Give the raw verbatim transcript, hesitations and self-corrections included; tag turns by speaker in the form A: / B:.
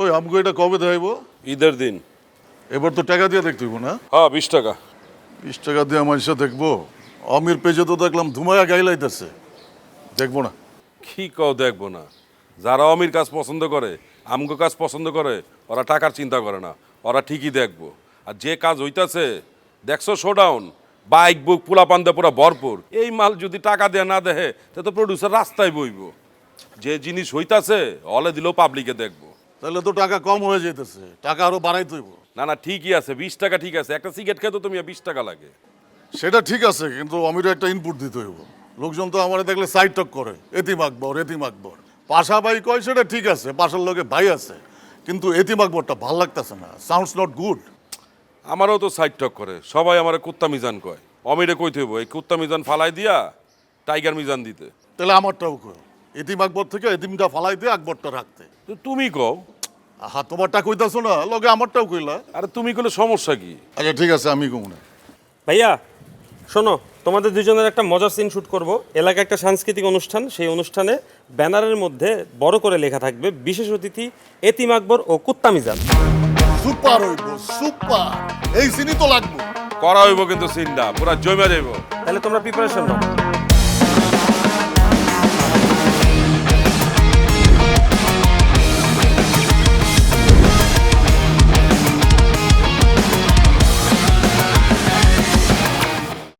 A: ওই আমগো এটা কবে দেখাইব?
B: ঈদের দিন।
A: এবার তো টাকা দিয়ে দেখতে হইব না?
B: হ্যাঁ, বিশ টাকা।
A: বিশ টাকা দিয়ে আমার সাথে দেখবো? অমির পেজে তো দেখলাম ধুমায়া গাইলাইতেছে, দেখবো না।
B: কি কও দেখবো না? যারা অমির কাজ পছন্দ করে, আমগো কাজ পছন্দ করে, ওরা টাকার চিন্তা করে না, ওরা ঠিকই দেখবো। আর যে কাজ হইতাছে, দেখছো শোডাউন, বাইক বুক পোলা পান্দা পুরা ভরপুর, এই মাল যদি টাকা দেয়া না দেহে তা তো প্রডিউসার রাস্তায় বইব। যে জিনিস হইতাছে হলে দিলেও পাবলিকে দেখবো।
A: তাহলে তো টাকা কম হয়ে যেতেছে, টাকা আরো বাড়াইতে হইব।
B: না না, ঠিকই আছে, বিশ টাকা ঠিক আছে। একটা সিগারেট খেতে তুমি বিশ টাকা লাগে।
A: সেটা ঠিক আছে, কিন্তু অমির একটা ইনপুট দিতে হইব। লোকজন তো আমার দেখলে সাইড টক করে, এতিম আকবর এতিম আকবর। পাশা ভাই কয় সেটা ঠিক আছে, পাশার লোকে ভাই আছে, কিন্তু এতিম আকবরটা ভাল লাগতেছে না, সাউন্ডস নট গুড।
B: আমারও তো সাইড টক করে, সবাই আমার কুত্তা মিজান কয়। অমিরে কইতে হইব এই কুত্তা মিজান ফালাই দিয়া টাইগার মিজান দিতে।
A: তাহলে আমারটাও কয়, এতিম আকবর থেকে এতিমটা ফালাই দিয়ে আকবরটা রাখতে।
B: তো তুমি কও।
A: আহা, তোমারটা কইতাছো না, লগে আমারটাও কইলা।
B: আরে তুমি কইলে সমস্যা কি?
A: আচ্ছা ঠিক আছে, আমি কমু না।
C: ভাইয়া শোনো, তোমাদের দুজনের একটা মজার সিন শুট করব। এলাকায় একটা সাংস্কৃতিক অনুষ্ঠান, সেই অনুষ্ঠানে ব্যানারের মধ্যে বড় করে লেখা থাকবে বিশেষ অতিথি এতিম আকবর ও কুত্তা মিজান।
A: সুপার হইব, সুপার। এই সিনই তো লাগবে।
B: করা হইব কিন্তু সিনটা পুরা জমে যাইব।
C: তাহলে তোমরা প্রিপারেশন নাও।